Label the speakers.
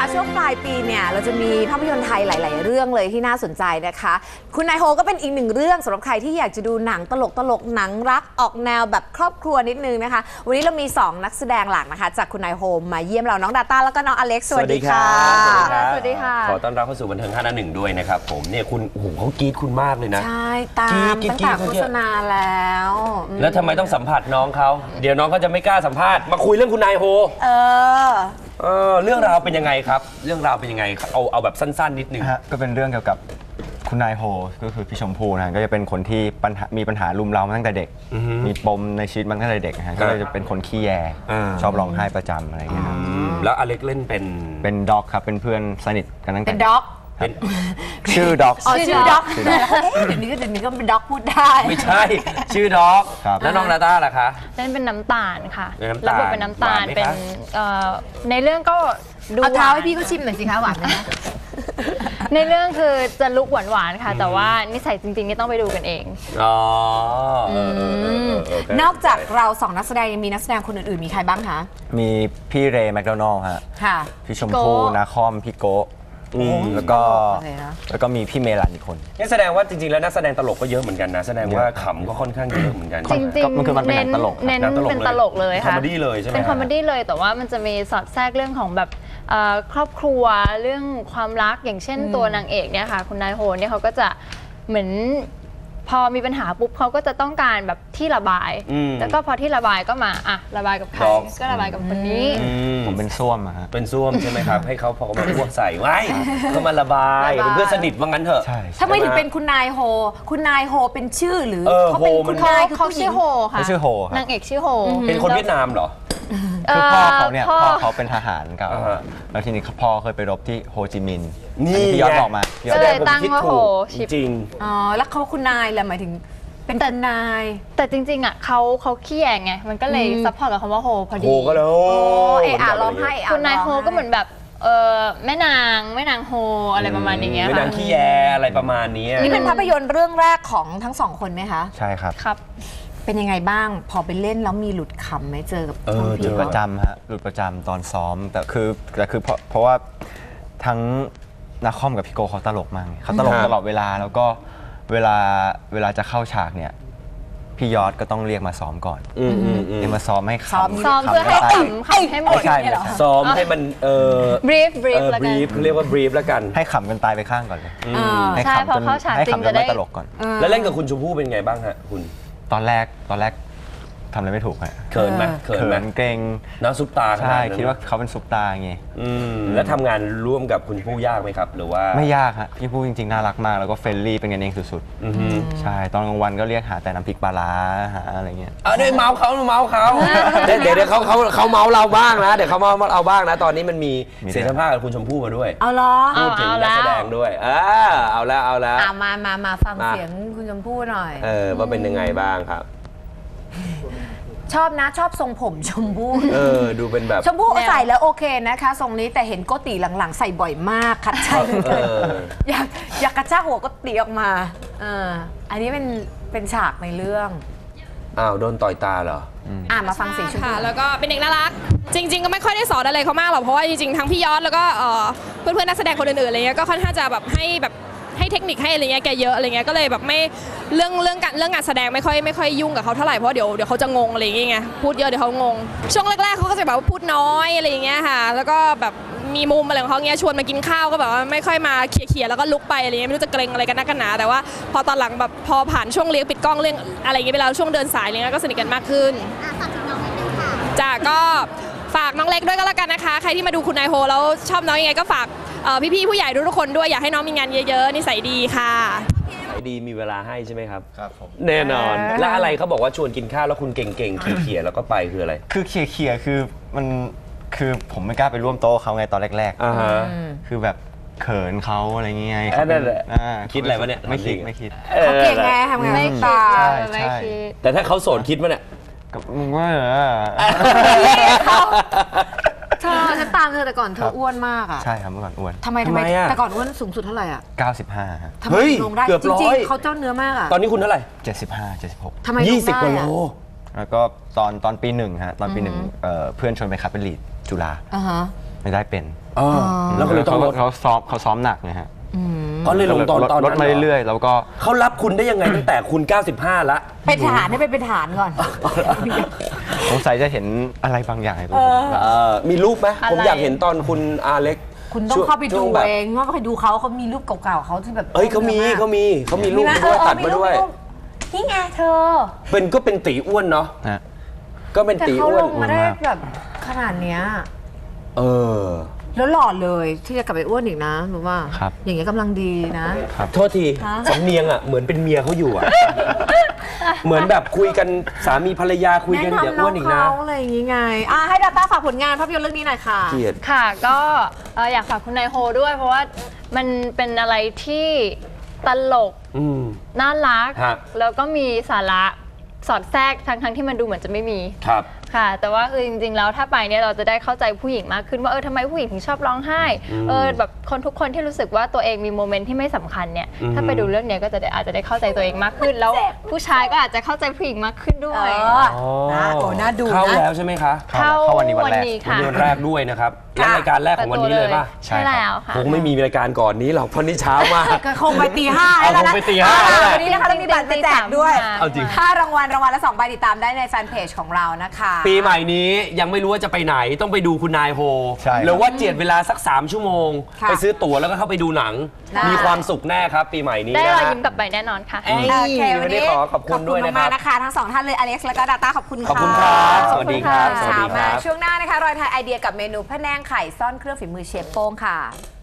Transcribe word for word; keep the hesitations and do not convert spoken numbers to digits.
Speaker 1: ช่วงปลายปีเนี่ยเราจะมีภาพยนตร์ไทยหลายๆเรื่องเลยที่น่าสนใจนะคะคุณนายโฮก็เป็นอีกหนึ่งเรื่องสำหรับใครที่อยากจะดูหนังตลกตลกหนังรักออกแนวแบบครอบครัวนิดนึงนะคะวันนี้เรามีสองนักแสดงหลักนะคะจากคุณนายโฮมาเยี่ยมเราน้องดาต้าแล้วก็น้องอเล็กซ์สวัสดีค่ะสวัสดีค่ะ
Speaker 2: ขอต้อนรับเข้าสู่บันเทิงห้าหน้าหนึ่งด้วยนะครับผมเนี่ยคุณโอ้โหเขากรี๊ดคุณมากเลยนะ
Speaker 1: ใช่ตามตั้งแต่โฆษณาแล้ว
Speaker 2: แล้วทำไมต้องสัมผัสน้องเขาเดี๋ยวน้องเขาจะไม่กล้าสัมภาษณ์มาคุยเรื่องคุณนายโฮ
Speaker 1: เออ
Speaker 2: เออเรื่องราวเป็นยังไงครับเรื่องราวเป็นยังไงเอาเอาแบบสั้นๆนิดนึง
Speaker 3: ฮะก็เป็นเรื่องเกี่ยวกับคุณนายโฮก็คือพี่ชมพู่นะก็จะเป็นคนที่ปัญหามีปัญหารุมเร้ามาตั้งแต่เด็กมีปมในชีวิตมาตั้งแต่เด็กนะฮะก็เลยจะเป็นคนขี้แยชอบร้องไห้ประจำอะไรอย่างเงี้ย
Speaker 2: แล้วอเล็กเล่นเป็น
Speaker 3: เป็นด็อกครับเป็นเพื่อนสนิทกันตั้งแต่
Speaker 1: เป็นด็อก
Speaker 3: ชื่อด็อก
Speaker 1: อ๋อชื่อด็อกเดี๋ยวนี้ก็เดี๋ยวนี้ก็เป็นด็อกพูดได้
Speaker 2: ไม่ใช่ชื่อด็อกแล้วน้องนาต้าล่ะคะ
Speaker 4: เล่นเป็นน้ำตาลค่ะรับบทเป็นน้ำตาลเป็นในเรื่องก็
Speaker 1: ดูเอาเท้าให้พี่เขาชิมหน่อยสิคะหวานไหม
Speaker 4: ในเรื่องคือจะลุกหวานๆค่ะแต่ว่านิสัยจริงๆนี่ต้องไปดูกันเอง
Speaker 2: อ๋
Speaker 1: อนอกจากเราสองนักแสดงยังมีนักแสดงคนอื่นๆมีใครบ้างคะ
Speaker 3: มีพี่เรย์แมคโดนัลล์ฮะพี่ชมพู่นาคอมพี่โกแล้วก็แล้วก็มีพี่เมลันอีกคน
Speaker 2: นี่แสดงว่าจริงๆแล้วนักแสดงตลกก็เยอะเหมือนกันนะแสดงว่าขำก็ค่อนข้างเยอะเหมือนกัน
Speaker 4: จริงๆ
Speaker 3: มันคือมันเป็นตลก
Speaker 4: เน้นเป็นตลกเลยค่ะ
Speaker 2: คอมเมดี้เลยใช่ไหม
Speaker 4: เป็นคอมเมดี้เลยแต่ว่ามันจะมีสอดแทรกเรื่องของแบบครอบครัวเรื่องความรักอย่างเช่นตัวนางเอกเนี่ยค่ะคุณนายโฮเนี่ยเขาก็จะเหมือนพอมีปัญหาปุ๊บเขาก็จะต้องการแบบที่ระบายแล้วก็พอที่ระบายก็มาอ่ะระบายกับใครก็ระบายกับคนนี้
Speaker 3: ผมเป็นส้วมอะฮะ
Speaker 2: เป็นส้วมใช่ไหมครับให้เขาพอมาพวกใส่ไว้ก็มาระบายเป็นเพื่อนสนิทว่างั้นเถอะ
Speaker 1: ทำไมถึงเป็นคุณนายโฮคุณนายโฮเป็นชื่อหรือเขาเป็นคุณนาย
Speaker 4: เขาชื่อโฮค่ะ
Speaker 3: ชื่อโฮ
Speaker 4: นางเอกชื่อโฮ
Speaker 2: เป็นคนเวียดนามเหรอ
Speaker 3: คือพ่อเขาเนี่ยพ่อเขาเป็นทหารเก่าแล้วทีนี้พ่อเคยไปรบที่โฮจิมินห์นี่พี่ยอดบอกมา
Speaker 4: ก็เลยตั้งว่าโฮ
Speaker 2: จริง
Speaker 1: อ๋อแล้วเขาคุณนายแหละหมายถึงเป็นแต่นาย
Speaker 4: แต่จริงๆอ่ะเขาเขาขี้แยงไงมันก็เลยซัพพอร์ตกับคำว่าโฮพอดี
Speaker 2: โฮก็เลยโอ้
Speaker 1: เอออ่ะร้องไห้
Speaker 4: คุณนายโฮก็เหมือนแบบเออแม่นางแม่นางโฮอะไรประมาณนี้
Speaker 2: แม่นางขี้แยอะไรประมาณนี้
Speaker 1: นี่เป็นภาพยนตร์เรื่องแรกของทั้งสองคนไหมคะ
Speaker 3: ใช่ครับ
Speaker 4: ครับ
Speaker 1: เป็นยังไงบ้างพอไปเล่นแล้วมีหลุดขำไหมเจอกับ
Speaker 3: หลุดประจำฮะหลุดประจำตอนซ้อมแต่คือแต่คือเพราะเพราะว่าทั้งนาคอมกับพี่โกเขาตลกมากเขาตลกตลอดเวลาแล้วก็เวลาเวลาจะเข้าฉากเนี่ยพี่ยอดก็ต้องเรียกมาซ้อมก่อนเรียกมาซ้อมให้ข
Speaker 4: ำซ้อมเพื่อให้ขำขำให้หมด
Speaker 2: ซ้อมให้มันเออบรีฟ
Speaker 4: บรีฟแล้วกัน
Speaker 2: เรียกว่าบรีฟแล้วกัน
Speaker 3: ให้ขำกันตายไปข้างก่อนเลย
Speaker 4: ให้ขำจน
Speaker 3: ให้ขำจนไม่ตลกก่อน
Speaker 2: แล้วเล่นกับคุณชมพู่เป็นไงบ้างฮะคุณ
Speaker 3: ตอนแรกตอนแรกทำอะไรไม่ถูกฮะ
Speaker 2: เขินไหม
Speaker 3: เขินเกรง
Speaker 2: น้องซุปตา
Speaker 3: ใช่คิดว่าเขาเป็นซุปตาไง
Speaker 2: แล้วทำงานร่วมกับคุณชมพู่ยากไหมครับหรือว่า
Speaker 3: ไม่ยากฮะพี่พู่จริงๆน่ารักมากแล้วก็เฟรนลี่เป็นกันเองสุดๆใช่ตอนกลางวันก็เรียกหาแต่น้ำพริกปลาร้าหาอะไรเงี้ย
Speaker 2: เออเดี๋ยวเมาเขาเมาเขาเดี๋ยวเดี๋ยวเขาเขาเขาเมาเราบ้างนะเดี๋ยวเขาเมาเราบ้างนะตอนนี้มันมีเสียงสัมภาษณ์กับคุณชมพู่มาด้วย
Speaker 1: เอาล้อ
Speaker 2: พูดถึงนักแสดงด้วยเออเอาแล้วเอาแล้ว
Speaker 1: มามามาฟังเสียงคุณชมพู่หน่อย
Speaker 2: เออว่าเป็นยังไงบ้างครับ
Speaker 1: ชอบนะชอบทรงผมชมพู่
Speaker 2: เออดูเป็นแบบ
Speaker 1: ชมพู่ใส่แล้วโอเคนะคะทรงนี้แต่เห็นโกติหลังๆใส่บ่อยมากคัดใช่อยากอยากกระชากหัวโกติออกมาเอออันนี้เป็นเป็นฉากในเรื่อง
Speaker 2: อ้าวโดนต่อยตาเหรอ
Speaker 1: อ่ามาฟังเสียงชมพู่
Speaker 5: แล้วก็เป็นเด็กน่ารักจริงๆก็ไม่ค่อยได้สอนอะไรเขามากหรอกเพราะว่าจริงๆทั้งพี่ยอดแล้วก็เพื่อนๆนักแสดงคนอื่นๆอะไรเงี้ยก็ค่อนข้างจะแบบให้แบบให้เทคนิคให้อะไรเงี้ยแกเยอะอะไรเงี้ยก็เลยแบบไม่เรื่องเรื่องการเรื่องงานแสดงไม่ค่อยไม่ค่อยยุ่งกับเขาเท่าไหร่เพราะเดี๋ยวเดี๋ยวเขาจะงงอะไรอย่างเงี้ยพูดเยอะเดี๋ยวเขางงช่วงแรกๆเขาก็จะแบบว่าพูดน้อยอะไรอย่างเงี้ยค่ะแล้วก็แบบมีมุมอะไรของเขาเงี้ยชวนมากินข้าวก็แบบว่าไม่ค่อยมาเขี่ยๆแล้วก็ลุกไปอะไรเงี้ยไม่รู้จะเกรงอะไรกันนักกันหนาแต่ว่าพอตอนหลังแบบพอผ่านช่วงเลี้ยงปิดกล้องเรื่องอะไรเงี้ยไปแล้วช่วงเดินสายอะไรเงี้ยก็สนิทกันมากขึ้นจ้าก็ฝากน้องเล็กด้วยก็แล้วกันนะคะใครที่มาดูคุณนายโฮแล้วชอบน้องยังไงก็ฝากพี่ๆผู้ใหญ่ทุกคนด้วยอยากให้น้องมีงานเยอะๆนิสัยดีค่ะ
Speaker 2: นิสัยดีมีเวลาให้ใช่ไหมครับ
Speaker 3: ครับผม
Speaker 2: แน่นอนแล้วอะไรเขาบอกว่าชวนกินข้าวแล้วคุณเก่งๆเขี่ยๆแล้วก็ไปคืออะไร
Speaker 3: คือเขี่ยๆคือมันคือผมไม่กล้าไปร่วมโต๊ะเขาไงตอนแรกๆคือแบบเขินเขาอะไรเงี้ย
Speaker 2: คิดอะไรวะเนี่ย
Speaker 3: ไม่คิดไม่คิด
Speaker 1: เขาเก่งไงทำงานไม่คิด
Speaker 3: ไม่คิด
Speaker 2: แต่ถ้าเขาโสดคิดมั้ยเนี่ย
Speaker 3: กับมึงว่าเหรอ
Speaker 1: เธอฉันตามเธอแต่ก่อนเธออ้วนมากอ่ะ
Speaker 3: ใช่ครับเมื่อก่อนอ้วน
Speaker 1: ทำไมทำไมแต่ก่อนอ้วนสูงสุดเท่าไหร่อ่ะ
Speaker 3: เก้าสิบห้าครับ
Speaker 1: ทำไมลงได้จริงๆเขาเจ้าเนื้อมากอ่ะ
Speaker 2: ตอนนี้คุณเท่าไหร่
Speaker 3: เจ็ดสิบห้า เจ็ดสิบหก
Speaker 1: ทำไมยี่สิบกว่าโล
Speaker 3: แล้วก็ตอนตอนปีหนึ่งฮะตอนปีหนึ่งเพื่อนชวนไปคัดเป็นลีดจุฬาไม่ได้เป็น
Speaker 2: อ๋อแล้วก็เลยต้องลด
Speaker 3: เขาซ้อมเขาซ้อมหนักนะฮะ
Speaker 2: ก็เลยลงตอนตอน
Speaker 3: ลดมาเรื่อยๆแล้วก็
Speaker 2: เขารับคุณได้ยังไงตั้งแต่คุณ เก้าสิบห้าละ
Speaker 1: เป็นฐานให้เป็นเป็นฐานก่อน
Speaker 3: สงสัยจะเห็นอะไรบางอย่างในตัวผม
Speaker 2: เออมีรูปไหม
Speaker 4: อะไร
Speaker 2: ผมอยากเห็นตอนคุณอาเล็ก
Speaker 1: คุณต้องเข้าไป
Speaker 2: ช่
Speaker 1: ดู
Speaker 2: วงแบบ
Speaker 1: เองว่าไปดูเขาเขามีรูปเก่าๆเขาที่แบบ
Speaker 2: เอ้ยเขามีเขามีเขามีรูป
Speaker 1: ไห
Speaker 2: มาด้วย
Speaker 1: เออ
Speaker 2: ตัดมาด้วย
Speaker 1: รูปนี่ไงเธอ
Speaker 2: เป็นก็เป็นตีอ้วนเนาะ
Speaker 3: นะ
Speaker 2: ก็เป็น
Speaker 1: แต่
Speaker 2: ตี
Speaker 1: เขา
Speaker 2: อ้ว
Speaker 1: ล
Speaker 2: น
Speaker 1: งมาได้แบบขนาดเนี้ย
Speaker 2: เออ
Speaker 1: แล้วหล่อเลยที่จะกลับไปอ้วนอีกนะรู้ว่า
Speaker 3: ครับ
Speaker 1: อย่างเงี้ยกำลังดีนะ
Speaker 2: โทษที
Speaker 1: ฮะ
Speaker 2: สำเนียงอ่ะเหมือนเป็นเมียเขาอยู่อ่ะ เหมือนแบบคุยกันสามีภรรยาคุยกันอย่าอ้วนอีกนะ
Speaker 1: แนะนำน้องเขาอะไรอย่างงี้ไงอ่ะให้ดาต้าฝากผลงานภาพยนตร์เรื่องนี้หน่อยค่ะ
Speaker 2: เกลียด
Speaker 4: ค่ะก็เอ่ออยากฝากคุณนายโฮด้วย เพราะว่ามันเป็นอะไรที่ตลก
Speaker 2: อืม
Speaker 4: น่ารัก
Speaker 2: ฮะ
Speaker 4: แล้วก็มีสาระสอดแทรกทั้งทั้งที่มันดูเหมือนจะไม่มี
Speaker 2: ครับ
Speaker 4: ค่ะ แต่ว่าคือจริงๆแล้วถ้าไปเนี่ยเราจะได้เข้าใจผู้หญิงมากขึ้นว่าเออทำไมผู้หญิงถึงชอบร้องไห้
Speaker 2: อืม
Speaker 4: เออแบบคนทุกคนที่รู้สึกว่าตัวเองมีโมเมนต์ที่ไม่สำคัญเนี่ย
Speaker 2: อืม
Speaker 4: ถ้าไปดูเรื่องเนี้ยก็จะได้อาจจะได้เข้าใจตัวเองมากขึ้น แล้วผู้ชายก็อาจจะเข้าใจผู้หญิงมากขึ้นด้
Speaker 1: เอ
Speaker 4: วย
Speaker 1: อนะโอ้น่าดู
Speaker 2: เข้า
Speaker 1: นะ
Speaker 2: แล้วใช่ไหมคะ
Speaker 3: เข้าเข้าวันนี้วันแรก
Speaker 2: วัน
Speaker 4: ค่ะ
Speaker 2: นี้วันแรกด้วยนะครับและรายการแรกของวันนี้เลยป่ะ
Speaker 4: ใช่แล้วค่ะ
Speaker 2: คงไม่มีรายการก่อนนี้หรอกเพราะนี่เช้ามาก
Speaker 1: ก็คงไปตีห้า
Speaker 2: เอา
Speaker 1: แล้ว
Speaker 2: ค
Speaker 1: นะ
Speaker 2: งไปตีห้าแล้วแหละ
Speaker 1: วันนี้นะคะเรามีบัตรจะแจกด้วย
Speaker 2: เอาจริง
Speaker 1: ค่ารางวัลรางวัลละสองใบติดตามได้ในแฟนเพจของเรานะคะ
Speaker 2: ปีใหม่นี้ยังไม่รู้ว่าจะไปไหนต้องไปดูคุณนายโฮ
Speaker 3: ใช่ครับ
Speaker 2: หรือว่าเจียดเวลาสัก สาม ชั่วโมง
Speaker 1: ค่ะ
Speaker 2: ไปซื้อตั๋วแล้วก็เข้าไปดูหนัง
Speaker 1: ได้
Speaker 2: มีความสุขแน่ครับ ปีใหม่นี้
Speaker 4: ได้
Speaker 2: นะ
Speaker 4: รอย
Speaker 2: ฮะ
Speaker 4: ยิ้มกลับไปแน่นอนค่ะ
Speaker 2: เอ้ย
Speaker 1: โอเควันนี้
Speaker 2: วันนี้ขอขอบคุณด้วยนะครับ
Speaker 1: ขอบคุณมากๆนะคะทั้งสองท่านเลยอเล็กซ์แล้วก็ดาต้าขอบคุณค่ะ
Speaker 2: ขอบคุณครับสวัสดีครับ
Speaker 1: ขอณ
Speaker 2: สวัสดี
Speaker 1: ค่ะ
Speaker 2: ครับ
Speaker 1: มาช่วงหน้านะคะรอยไทยไอเดียกับเมนูพะแนงไข่ซ่อนเครื่องฝีมือเชฟโป้งค่ะ